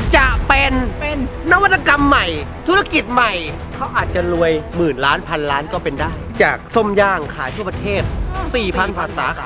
จะเป็นนวัตกรรมใหม่ธุรกิจใหม่เขาอาจจะรวยหมื่นล้านพันล้านก็เป็นได้ จากส้มย่างขายทั่วประเทศ 4,000 สาขา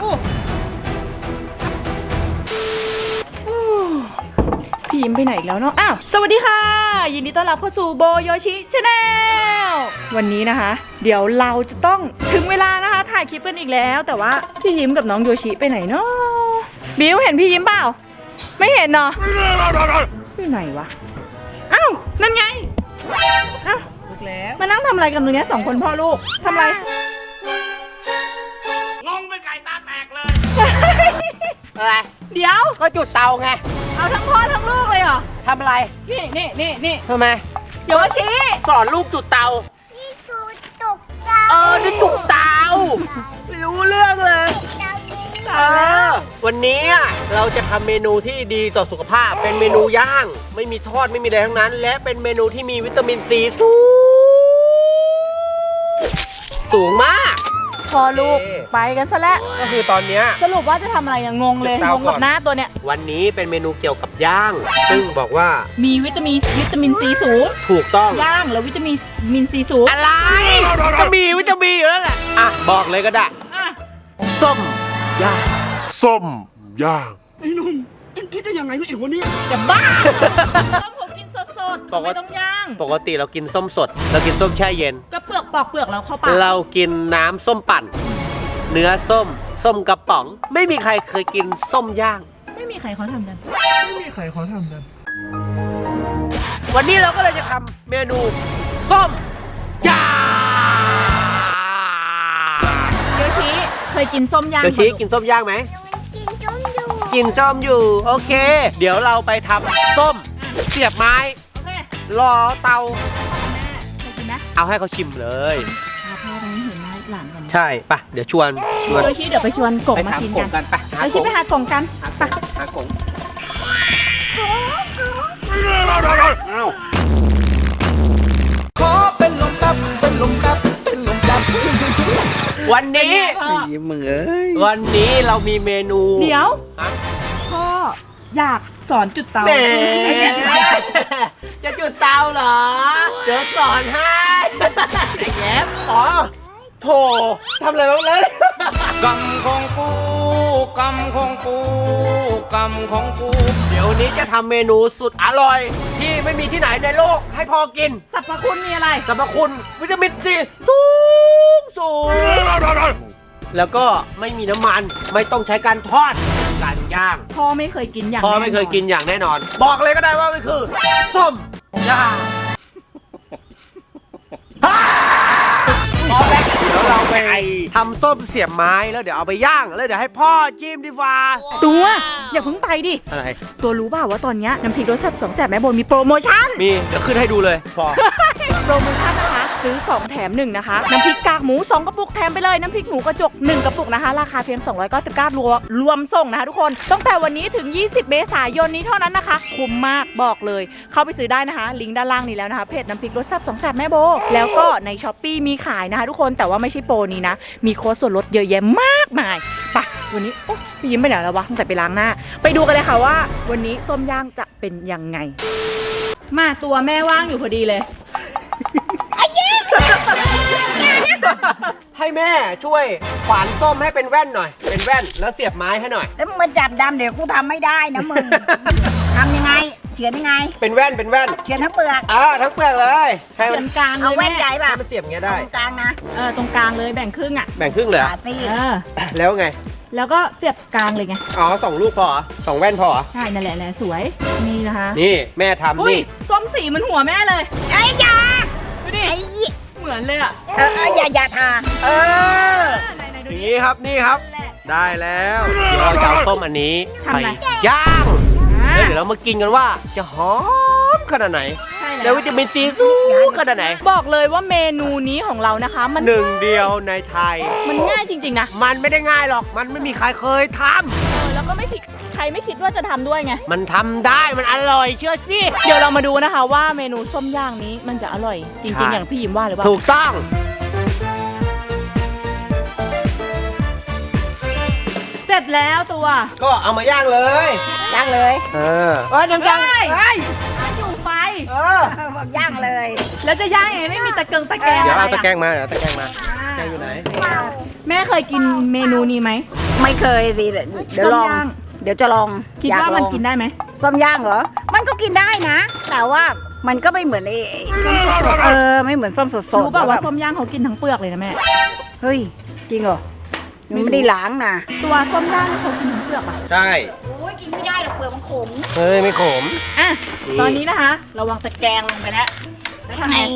พี่ยิ้มไปไหนอีกแล้วเนาะอ้าวสวัสดีค่ะยินดีต้อนรับเข้าสู่โบโยชิชาแนลวันนี้นะคะ เดี๋ยวเราจะต้องถึงเวลานะคะถ่ายคลิปกันอีกแล้วแต่ว่าพี่ยิ้มกับน้องโยชิไปไหนเนาะบิวเห็นพี่ยิ้มเปล่าไม่เห็นเนาะอยู่ไหนวะอ้าวนั่นไงอ้าวมานั่งทำอะไรกันตรงนี้สองคนพ่อลูกทำอะไรงงเป็นไก่ตาแตกเลยอะไรเดี๋ยวก็จุดเตาไงเอาทั้งพ่อทั้งลูกเลยเหรอทำอะไรนี่ทำไมโยชิสอนลูกจุดเตานี่จุดเตานี่จุดเตาไม่รู้เรื่องเลยวันนี้เราจะทำเมนูที่ดีต่อสุขภาพเป็นเมนูย่างไม่มีทอดไม่มีอะไรทั้งนั้น และเป็นเมนูที่มีวิตามินซีสูงมากพอลูกไปกันซะแล้วก็คือตอนนี้สรุปว่าจะทำอะไรเนี่ยงงเลยงงกับหน้าตัวเนี้ยวันนี้เป็นเมนูเกี่ยวกับย่างซึ่งบอกว่ามีวิตามินซีสูงถูกต้องย่างแล้ววิตามินซีสูงอะไรจะมีวิตามินอยู่แล้วแหละอ่ะบอกเลยก็ได้ส้มย่างส้มย่างไอ้หนุ่มคิดได้ยังไงวะไอ้หัวนี้จะบ้าส้มผมกินสดไม่ต้องย่างปกติเรากินส้มสดเรากินส้มแช่เย็นก็เปลือกปอกเปลือกเราเข้าปากเรากินน้ำส้มปั่นเนื้อส้มกระป๋องไม่มีใครเคยกินส้มย่างไม่มีใครเขาทำกันวันนี้เราก็เลยจะทำเมนูส้มย่างโยชิเคยกินส้มย่างโยชิกินส้มย่างไหมกินส้มอยู่โอเคเดี๋ยวเราไปทำส้มเสียบไม้รอเตาเอาให้เขาชิมเลยพ่อไปเห็นหน้าหลานกันใช่ปะเดี๋ยวชวนโยชิเดี๋ยวไปชวนกบมากินกันไปโยชิไปหากงกันไปหากงขอเป็นลมแป๊บวันนี้มึงวันนี้เรามีเมนูเดี๋ยวพ่ออยากสอนจุดเตาจะจุดเตาเหรอเดี๋ยวสอนให้ไอ้แย้มอ๋อโถทำอะไรบ้างเลยกำของกูเดี๋ยวนี้จะทำเมนูสุดอร่อยที่ไม่มีที่ไหนในโลกให้พอกินสรรพคุณมีอะไรสรรพคุณวิตามินซีสูงแล้วก็ไม่มีน้ำมันไม่ต้องใช้การทอดการย่างพ่อไม่เคยกินอย่างแน่นอนบอกเลยก็ได้ว่ามันคือส้มย่างพอแล้วเดี๋ยวเราไปทำส้มเสียบไม้แล้วเดี๋ยวเอาไปย่างแล้วเดี๋ยวให้พ่อจิ้มดีกว่าตัวอย่าเพิ่งไปดิอะไรตัวรู้เปล่าว่าตอนนี้น้ำพริกรสแซ่บ2 แสบแม่โบมีโปรโมชั่นมีเดี๋ยวขึ้นให้ดูเลยพอโปรโมชั่นนะคะซื้อ2 แถม 1นะคะน้ำพริกกากหมู2 กระปุกแถมไปเลยน้ำพริกหมูกระจก1 กระปุกนะคะราคาเพียง299รวมส่งนะคะทุกคนตั้งแต่วันนี้ถึง20 เมษายนนี้เท่านั้นนะคะคุ้มมากบอกเลยเข้าไปซื้อได้นะคะลิงก์ด้านล่างนี้แล้วนะคะเพจน้ำพริกรสแซ่บ2 แสบแม่โบแล้วก็ใน Shopee มีขายนะคะทุกคนแต่ว่าไม่ใช่โปรนี้นะมีโค้ดส่วนลดเยอะแยะมากมายไปวันนี้พี่ยิ้มไปไหนแล้ววะตั้งแต่ไปล้างหน้าไปดูกันเลยค่ะว่าวันนี้ส้มย่างจะเป็นยังไงมาตัวแม่ว่างอยู่พอดีเลยให้แม่ช่วยขวานส้มให้เป็นแว่นหน่อยเป็นแว่นแล้วเสียบไม้ให้หน่อยแล้วมึงมาจับดำเดี๋ยวกูทำไม่ได้นะมึง ทำยังไงเฉือนยังไงเป็นแว่นเฉือนทั้งเปลือกทั้งเปลือกเลยเฉือนกลางเลยเอาแว่นใหญ่ป่ะมันเสียบเงี้ยได้ตรงกลางนะตรงกลางเลยแบ่งครึ่งแบ่งครึ่งเลยแล้วไงแล้วก็เสียบกลางเลยไง 2 ลูกพอ2 แว่นพอใช่นั่นแหละสวยนี่นะคะนี่แม่ทำนี่ส้มสีมันหัวแม่เลยไอ้ยาดูดิเหมือนเลยอย่าทานี่ครับได้แล้วเดี๋ยวเราจะเอาส้มอันนี้ไปย่างแล้วเดี๋ยวเรามากินกันว่าจะหอมขนาดไหนแล้ววิตามินซีสูงขนาดไหนบอกเลยว่าเมนูนี้ของเรานะคะมันหนึ่งเดียวในไทยมันง่ายจริงๆนะมันไม่ได้ง่ายหรอกมันไม่มีใครเคยทำแล้วก็ใครไม่คิดว่าจะทำด้วยไงมันทำได้มันอร่อยเชื่อสิเดี๋ยวเรามาดูนะคะว่าเมนูส้มย่างนี้มันจะอร่อยจริงๆอย่างพี่ยิ้มว่าหรือเปล่าถูกต้องแล้วตัวก็เอามาย่างเลยย่างเลยน้ำจังเฮ้ยเฮ้ยอยู่ไฟบอกย่างเลยแล้วจะย่างยังไงไม่มีตะเกียงตะแกรงเดี๋ยวเอาะไรตะแกรงมาเดี๋ยวตะแกรงมาตะแกรงอยู่ไหนแม่เคยกินเมนูนี้ไหมไม่เคยสิเดี๋ยวลองส้มย่างเดี๋ยวจะลองคิดอยว่ามันลองกินได้ไหมส้มย่างเหรอ มันก็กินได้นะ แต่ว่ามันก็ไม่เหมือนส้มสดไม่เหมือนส้มสดๆรู้เปล่าว่าแบบส้มย่างเขากินทั้งเปลือกเลยนะแม่เฮ้ยจริงเหรอมันไม่ได้ล้างนะตัวส้มย่างเขากินทั้งเปลือกอ่ะใช่โอ้ยกินไม่ได้หรอกเปลือกมันขมเฮ้ยไม่ขมอ่ะตอนนี้นะคะเราวางตะแกรงลงไปแล้วแล้วทำไงนี่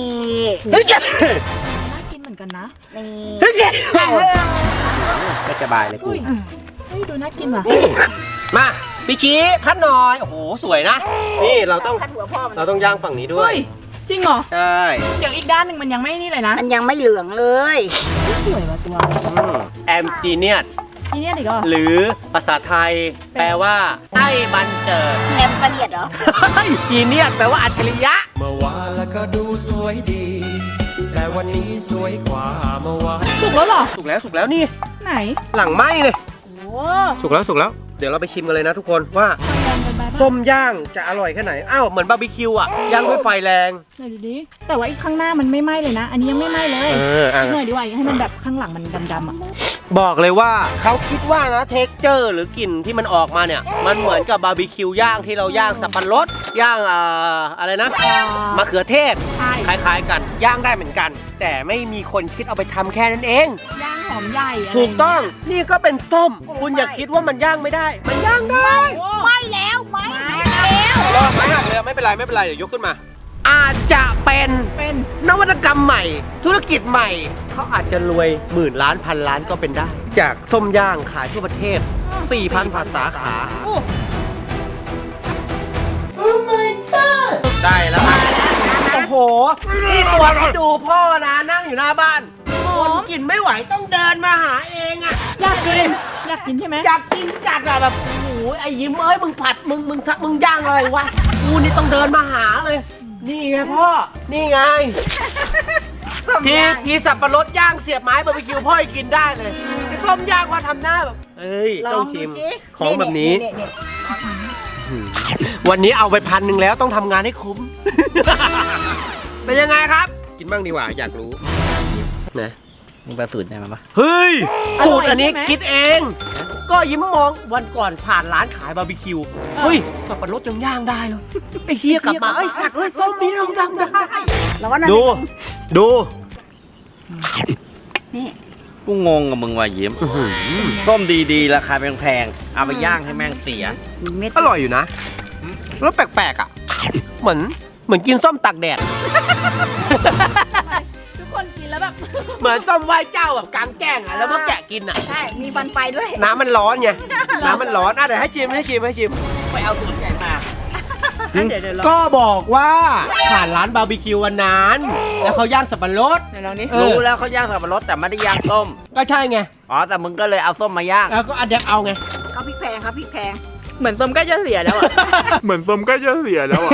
เฮ้ยเจ๊น่ากินเหมือนกันนะนี่เฮ้ยเจ๊ไม่สบายเลยกูอุ้ยเฮ้ยดูน่ากินว่ะมาพี่ชี้พัดหน่อยโอ้โหสวยนะนี่เราต้องคัดหัวพ่อมันเราต้องย่างฝั่งนี้ด้วเฮ้ยยจริงเหรอใช่เดี๋ยวอีกด้านหนึ่งมันยังไม่นี่เลยนะมันยังไม่เหลืองเลยสวยว่ะตัวแอมจีเนียสทีเนี้ยอีกเหรอหรือภาษาไทย แปลว่าไอ้บันเจิดแอมกระเดียดเหรอจีเนียสแปลว่าอัจฉริยะเมื่อวานแล้วก็ดูสวยดี แต่วันนี้สวยกว่าเมื่อวานสุกแล้วเหรอสุกแล้วนี่ไหนหลังไหม้เลยโอ้สุกแล้วเดี๋ยวเราไปชิมกันเลยนะทุกคนว่าไฟแรงเกินไปปะส้มย่างจะอร่อยแค่ไหนอ้าวเหมือนบาร์บีคิวอ่ะย่างด้วยไฟแรงไหนดูดิแต่ว่าอีกข้างหน้ามันไม่ไหม้เลยนะ อันนี้ยังไม่ไหม้เลยอ่ะอีกหน่อยดีกว่าให้มันแบบข้างหลังมันดำๆอ่ะบอกเลยว่าเขาคิดว่านะเท็กเจอร์หรือกลิ่นที่มันออกมาเนี่ย มันเหมือนกับบาร์บีคิวย่างที่เราย่างสับปะรดย่างอะไรนะมะเขือเทศใช่คล้ายๆกันย่างได้เหมือนกัน แต่ไม่มีคนคิดเอาไปทำแค่นั้นเองย่างหอมใหญ่ะไรถูกต้องนี่ก็เป็นส้ม คุณอย่าคิดว่ามันย่างไม่ได้ มันย่างได้โอ้ไม่แล้วไม่แล้วรอไม่หักเลยไม่เป็นไรเดี๋ยวยกขึ้นมา อาจจะเป็นเป็นนวัตกรรมใหม่ ธุรกิจใหม่ เขาอาจจะรวยหมื่นล้านพันล้านก็เป็นได้ จากส้มย่างขายทั่วประเทศ 4,000 ภาษาขาโอ้ได้แล้วครับโอ้โห นี่ตัวที่ดูพ่อนะนั่งอยู่หน้าบ้านหอคนมกินไม่ไหวต้องเดินมาหาเองอะอยากกินอยากกินใช่ไหมอยากกินจัดอะแบบโอ้โหไอ้ยิ้มเอ้ยมึงผัดมึงย่างอะไรวะกูนี่ต้องเดินมาหาเลย นี่ไงพ่อ นี่ไง ทีสับปะรดย่างเสียบไม้บาร์บีคิวพ่อยังกินได้เลยไอ้ส้มย่างว่าทำหน้าแบบเอ้ยลต้ออง งดูชิมสิของแบบนี้นี่วันนี้เอาไป1,000แล้วต้องทำงานให้คุ้ม เป็นยังไงครับ กินบ้างดีกว่าอยากรู้นะมึงไปสูตรได้ไหมปะเฮ้ยสูตรอันนี้คิดเอง ก็ยิ้มมองวันก่อนผ่านร้านขายบาร์บีคิวเฮ้ยสับปะรดยังย่างได้เลยไอ้เฮียกลับมาเอ้ยกัดเลยส้มนี้เราทำได้แล้วก็นั่นดูกูงงกับมึงว่ะยิ้มส้มดีๆราคาแพงๆเอาไปย่างให้แม่งเสียเม็ดอร่อยอยู่นะรสแปลกๆอ่ะเหมือนกินส้มตากแดดทุกคนกินแล้วแบบเหมือนส้มไหว้เจ้าแบบกลางแจ้งอ่ะแล้วก็แกะกินอ่ะใช่มีฟันไปด้วยน้ำมันร้อนไงน้ำมันร้อนอ่ะเดี๋ยวให้ชิมไปเอาสูตรไหนมาเดี๋ยวลองก็บอกว่าผ่านร้านบาร์บีคิววันนั้น แล้วเขาย่างสับปะรดเดี๋ยวลองนี้เออรู้แล้วเขาย่างสับปะรดแต่ไม่ได้ย่างส้มก็ใช่ไงอ๋อแต่มึงก็เลยเอาส้มมาย่างแล้วก็อันเดียเอาไงเขาพริกแพงครับพริกแพงเหมือนส้มใกล้จะเสียแล้วอ่ะเหมือนส้มก็จะเสียแล้วอ่ะ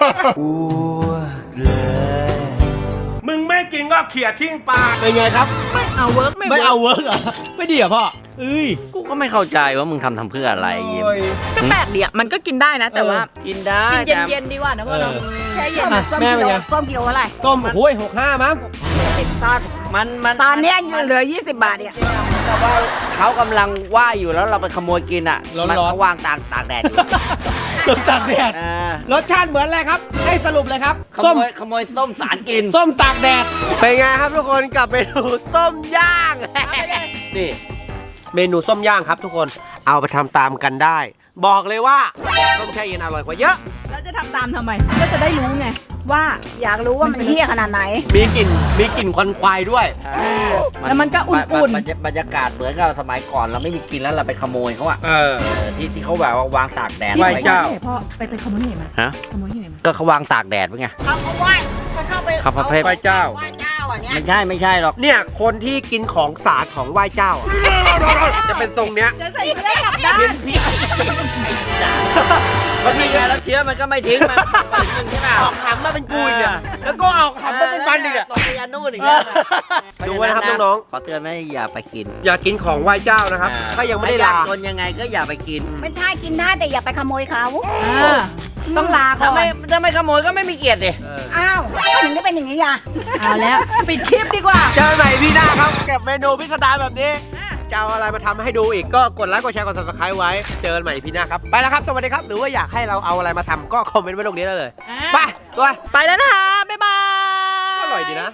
มึงไม่กินก็เขี่ยทิ้งปากเป็นไงครับไม่เอาเวิร์กไม่ไม่เอาเวิร์กเหรอไม่ดีเหรอพ่อเอ้ยกูก็ไม่เข้าใจว่ามึงทำเพื่ออะไรยิ้มโอ้ยก็แปลกดีอ่ะมันก็กินได้นะ แต่ว่ากินได้กินแต่เย็นๆดีกว่านะพ่อเนาะเออแช่เย็นอ่ะส้มแม่กิเป็นโลไงส้มกิโลอะไรต้มโอ้ย65มั้งมันตอนเนี้ยเหลือ20 บาทเนี่ยเขากำลังว่ายอยู่แล้วเราไปขโมยกินอ่ะร้อนๆมันเขาวางตากแดดอยู่ต้มตากแดดอ่ารสชาติเหมือนอะไรครับ ให้สรุปเลยครับขส้มโมยส้มสารกินส้มตากแดด เป็นไงครับทุกคนกับเมนูส้มย่าง นี่ เมนูส้มย่างครับทุกคน เอาไปทำตามกันได้ บอกเลยว่าส้มแช่เย็นอร่อยกว่าเยอะแล้วจะทำตามทำไม ก็จะได้รู้ไงว่าอยากรู้ว่ามันเหี้ยขนาดไหนมีกลิ่นควันควายด้วยแล้วมันก็อุ่นๆบรรยากาศเหมือนกับสมัยก่อนเราไม่มีกินแล้วเราไปขโมยเขาอะเออที่เขาแบบว่าวางตากแดดไหว้เจ้าพ่อไปขโมยที่ไหนมาฮะขโมยที่ไหนมาก็เขาวางตากแดดไว้ไงเขาไหว้เขาเข้าไปเขาประเภทไหว้เจ้าไหว้เจ้าอ่ะเนี่ยไม่ใช่หรอกเนี่ยคนที่กินของสาดของไหว้เจ้าอะจะเป็นทรงเนี้ยจะใส่เสื้อกลับด้านเมันมีไงแล้วเชื้อมันก็ไม่ทิ้งมันถึงใช่ป่ะออกถังมาเป็นกูอีกเนี่ยแล้วก็เอาถังมาเป็นปันอีกเนี่ยตกไปยันนู่นอีกแล้วดูไว้นะครับน้องขอเตือนไม่อย่าไปกินๆอย่ากินของไหว้เจ้านะครับ ถ้ายังไม่ได้ลาจนยังไงก็อย่าไปกินไม่ใช่กินได้แต่อย่าไปขโมยเขาต้องลาก่ถ้าอนไม่ขโมยก็ไม่มีเกียรติดิอ้าวก็ถึงได้เป็นอย่างนี้อ่ะเอาแล้วปิดคลิปดีกว่าเจอกันใหม่พี่หน้าครับกับเมนูพิสดารแบบนี้จะเอาอะไรมาทำให้ดูอีกก็กดไลค์กดแชร์กด subscribe ไว้เจอกันใหม่พี่หน้าครับไปแล้วครับสวัสดีครับหรือว่าอยากให้เราเอาอะไรมาทำก็คอมเมนต์ไว้ตรงนี้ได้เลยไปตัวไปแล้วนะคะ บ๊ายบายอร่อยดีนะ